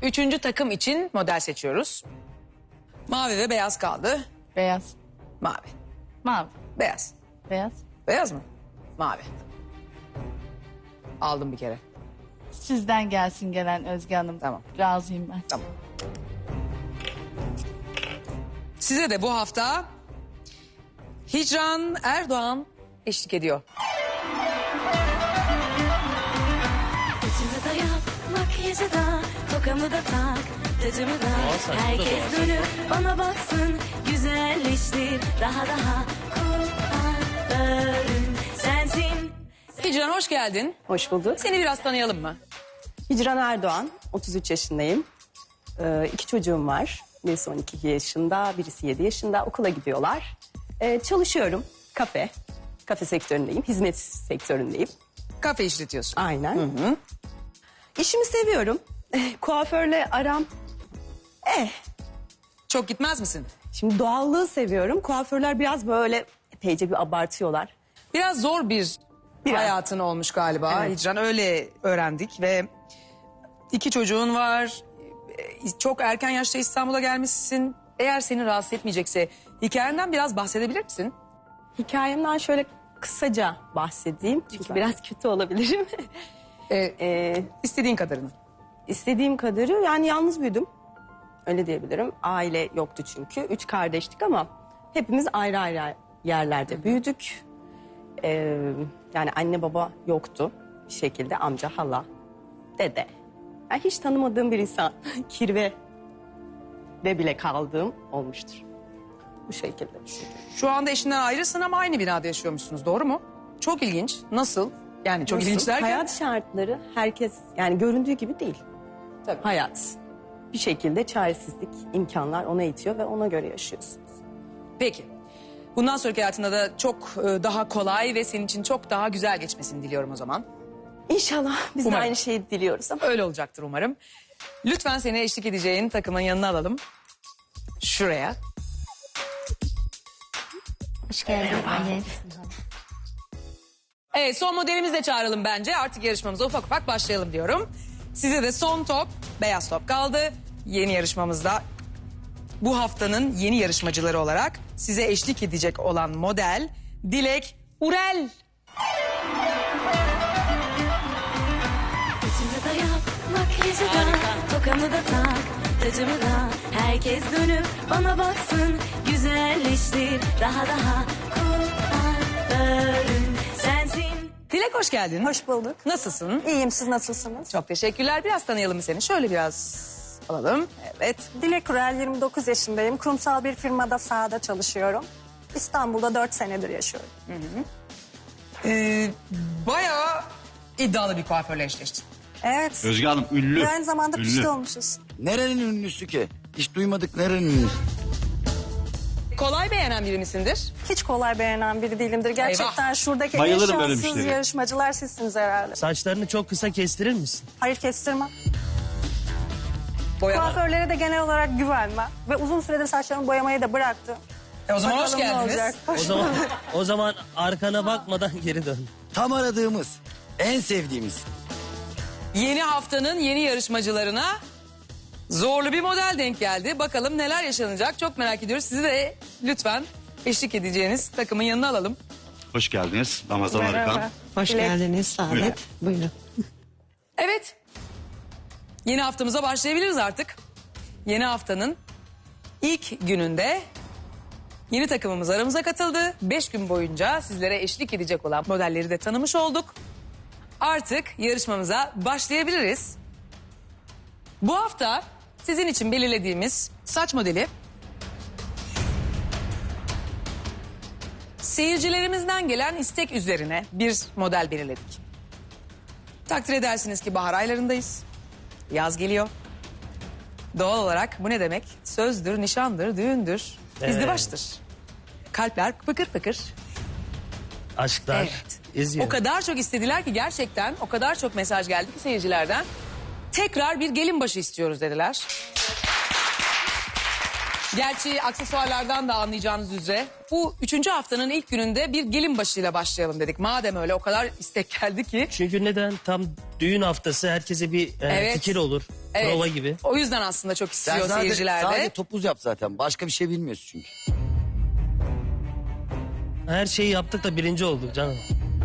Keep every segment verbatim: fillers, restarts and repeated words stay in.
Üçüncü takım için model seçiyoruz. Mavi ve beyaz kaldı. Beyaz. Mavi. Mavi. Beyaz. Beyaz. Beyaz mı? Mavi. Aldım bir kere. Sizden gelsin gelen Özge Hanım. Tamam. Razıyım ben. Tamam. Size de bu hafta Hicran Erdoğan eşlik ediyor. Saçımı da yap, makyajı da, tokamı da tak, tacımı da. Herkes dönüp bana baksın, güzelleştir daha daha. Kuaförüm sensin. Hicran hoş geldin. Hoş bulduk. Seni biraz tanıyalım mı? Hicran Erdoğan, otuz üç yaşındayım. Ee, iki çocuğum var. Birisi on iki yaşında, birisi yedi yaşında. Okula gidiyorlar. Ee, çalışıyorum. Kafe. Kafe sektöründeyim. Hizmet sektöründeyim. Kafe işletiyorsun. Aynen. Hı hı. İşimi seviyorum. Kuaförle aram... Eh. Çok gitmez misin? Şimdi doğallığı seviyorum. Kuaförler biraz böyle epeyce bir abartıyorlar. Biraz zor bir Biraz. hayatın olmuş galiba. Evet. Hicran öyle öğrendik ve iki çocuğun var. Çok erken yaşta İstanbul'a gelmişsin. Eğer seni rahatsız etmeyecekse hikayenden biraz bahsedebilir misin? Hikayemden şöyle kısaca bahsedeyim. Çünkü Lütfen. biraz kötü olabilirim. Ee, ee, istediğin kadarını. İstediğim kadarı yani yalnız büyüdüm. Öyle diyebilirim. Aile yoktu çünkü. Üç kardeştik ama hepimiz ayrı ayrı yerlerde büyüdük. Ee, yani anne baba yoktu bir şekilde. Amca, hala, dede. Yani hiç tanımadığım bir insan kirve de bile kaldığım olmuştur. Bu şekilde. Şu anda eşinden ayrısın ama aynı binada yaşıyormuşsunuz, doğru mu? Çok ilginç. Nasıl? Yani çok Nasıl? ilginç derken... Hayat şartları herkes yani göründüğü gibi değil. Tabii. Hayat. Bir şekilde çaresizlik, imkanlar ona itiyor ve ona göre yaşıyorsunuz. Peki. Bundan sonraki hayatında da çok e, daha kolay ve senin için çok daha güzel geçmesini diliyorum o zaman. İnşallah biz Umarım. de aynı şeyi diliyoruz ama. Öyle olacaktır umarım. Lütfen seni eşlik edeceğin takımın yanına alalım. Şuraya. Hoş geldin. Evet, son modelimizi de çağıralım bence. Artık yarışmamıza ufak ufak başlayalım diyorum. Size de son top, beyaz top kaldı. Yeni yarışmamızda bu haftanın yeni yarışmacıları olarak size eşlik edecek olan model Dilek Urel. Saçımı da yap, makyajı da, tokamı da tak, tacımı da. Herkes dönüp bana baksın, güzelleştir daha daha. Kuaförüm sensin. Dilek hoş geldin. Hoş bulduk. Nasılsın? İyiyim, siz nasılsınız? Çok teşekkürler. Biraz tanıyalım seni. Şöyle biraz alalım. Evet. Dilek Urel, yirmi dokuz yaşındayım. Kurumsal bir firmada sahada çalışıyorum. İstanbul'da dört senedir yaşıyorum. Ee, bayağı iddialı bir kuaförle eşleştin. Evet. Özge Hanım ünlü. Ve aynı zamanda Ünlü. pişti olmuşuz. Nerenin ünlüsü ki? Hiç duymadık nerenin ünlüsü? Kolay beğenen biri misindir? Hiç kolay beğenen biri değilimdir. Gerçekten Eyvah. şuradaki en Bayılırım böyle şanssız müşteriye. yarışmacılar sizsiniz herhalde. Saçlarını çok kısa kestirir misin? Hayır, kestirmem. Boyama. Kuaförlere de genel olarak güvenmem. Ve uzun süredir saçlarımı boyamayı da bıraktım. E o zaman hoş Bakalım ne geldiniz. olacak. O zaman o zaman arkana bakmadan geri dön. Tam aradığımız, en sevdiğimiz. Yeni haftanın yeni yarışmacılarına zorlu bir model denk geldi. Bakalım neler yaşanacak çok merak ediyoruz. Sizi de lütfen eşlik edeceğiniz takımın yanına alalım. Hoş geldiniz Ramazan Merhaba. Arıkan. Hoş Dilek. geldiniz Saadet. Buyurun. Evet. Yeni haftamıza başlayabiliriz artık. Yeni haftanın ilk gününde yeni takımımız aramıza katıldı. Beş gün boyunca sizlere eşlik edecek olan modelleri de tanımış olduk. Artık yarışmamıza başlayabiliriz. Bu hafta sizin için belirlediğimiz saç modeli seyircilerimizden gelen istek üzerine bir model belirledik. Takdir edersiniz ki bahar aylarındayız. Yaz geliyor. Doğal olarak bu ne demek? Sözdür, nişandır, düğündür, Evet. izdivaçtır. Kalpler fıkır fıkır. Aşklar Evet. eziyor. O kadar çok istediler ki gerçekten o kadar çok mesaj geldi ki seyircilerden. Tekrar bir gelin başı istiyoruz dediler. Gerçi aksesuarlardan da anlayacağınız üzere bu üçüncü haftanın ilk gününde bir gelin başıyla başlayalım dedik. Madem öyle o kadar istek geldi ki. Çünkü neden? Tam düğün haftası herkese bir e, Evet. fikir olur. Evet, Prova gibi. O yüzden aslında çok Sen istiyor sadece, seyirciler de. sadece topuz yap zaten. Başka bir şey bilmiyorsun çünkü. Her şeyi yaptık da birinci olduk canım.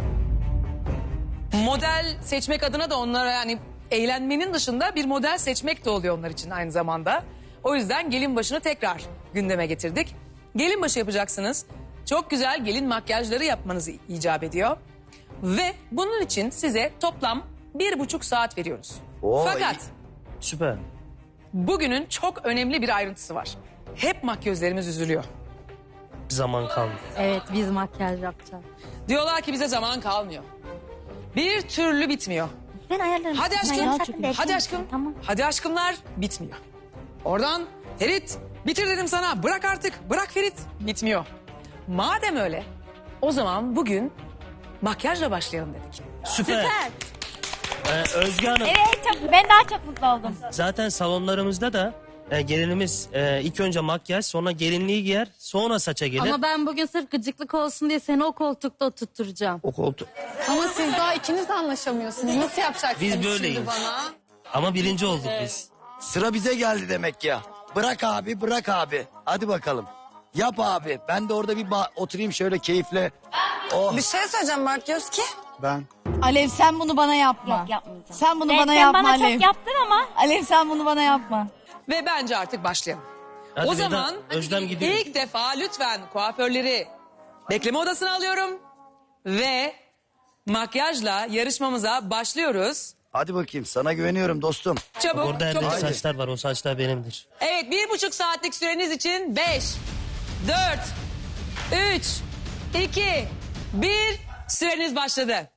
Model seçmek adına da onlara yani eğlenmenin dışında bir model seçmek de oluyor onlar için aynı zamanda. O yüzden gelin başını tekrar gündeme getirdik. Gelin başı yapacaksınız. Çok güzel gelin makyajları yapmanız icap ediyor. Ve bunun için size toplam bir buçuk saat veriyoruz. Oo, Fakat iyi. Süper. bugünün çok önemli bir ayrıntısı var. Hep makyözlerimiz üzülüyor. Bir zaman kaldı. Evet biz makyaj yapacağız. Diyorlar ki bize zaman kalmıyor. Bir türlü bitmiyor. Ben ayarlarım. Hadi Ben aşkım, yapsak da hadi aşkım, Tamam. hadi aşkımlar bitmiyor. Oradan Ferit bitir dedim sana, bırak artık, bırak Ferit, bitmiyor. Madem öyle o zaman bugün makyajla başlayalım dedik. Süper. Ee, Özge Hanım Evet çok, ben daha çok mutlu oldum. zaten salonlarımızda da e, gelinimiz e, ilk önce makyaj sonra gelinliği giyer sonra saça gelir. Ama ben bugün sırf gıcıklık olsun diye seni o koltukta oturtturacağım. O koltuk. Ama siz daha ikiniz de anlaşamıyorsunuz. Nasıl yapacaksınız Biz böyleyiz. şimdi bana? Ama birinci olduk biz. Sıra bize geldi demek ya. Bırak abi, bırak abi. Hadi bakalım. Yap abi. Ben de orada bir ba- oturayım şöyle keyifle. Oh. Bir şey söyleyeceğim makyöz ki. Ben. Alev sen bunu bana yapma. Yok yapmayacağım. Sen bunu Ben- bana sen yapma bana Alev. çok yaptın ama. Alev sen bunu bana yapma. Ve bence artık başlayalım. Hadi o Veda, zaman Özlem gidiyor. ilk defa lütfen kuaförleri bekleme odasına alıyorum. Ve makyajla yarışmamıza başlıyoruz. Hadi bakayım sana güveniyorum dostum. Çabuk, Orada çok yerde çabuk. saçlar var o saçlar benimdir. Evet, bir buçuk saatlik süreniz için beş, dört, üç, iki, bir süreniz başladı.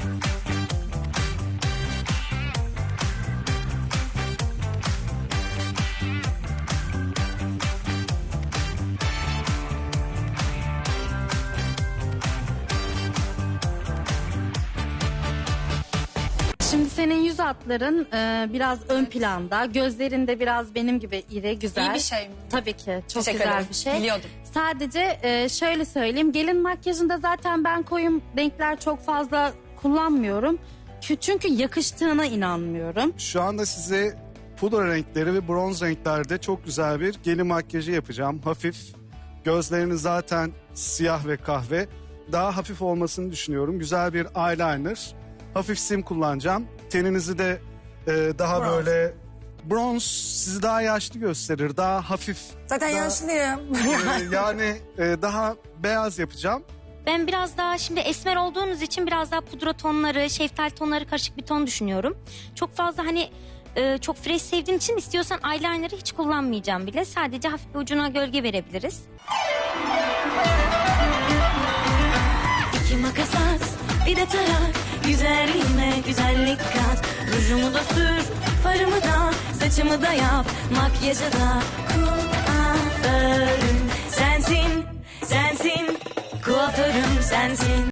Şimdi senin yüz hatların e, biraz ön planda. Gözlerin de biraz benim gibi iri, güzel. İyi bir şey mi? Tabii ki. Çok Teşekkür güzel ederim. bir şey. Biliyordum. Sadece e, şöyle söyleyeyim. Gelin makyajında zaten ben koyum renkler çok fazla kullanmıyorum. Kü- Çünkü yakıştığına inanmıyorum. Şu anda size pudra renkleri ve bronz renklerde çok güzel bir gelin makyajı yapacağım. Hafif. Gözleriniz zaten siyah ve kahve. Daha hafif olmasını düşünüyorum. Güzel bir eyeliner. Hafif sim kullanacağım. Teninizi de e, daha böyle bronz sizi daha yaşlı gösterir. Daha hafif. Zaten daha, yaşlıyım. e, yani e, daha beyaz yapacağım. Ben biraz daha şimdi esmer olduğunuz için biraz daha pudra tonları, şeftali tonları karışık bir ton düşünüyorum. Çok fazla hani e, çok fresh sevdiğim için istiyorsan eyeliner'ı hiç kullanmayacağım bile. Sadece hafif bir ucuna gölge verebiliriz. İki makas at, bir de tarak. Güzelliğime güzellik kat. Rujumu da sür, farımı da, saçımı da yap. Makyajı da kuaförüm sensin, sensin. Kuaförüm sensin.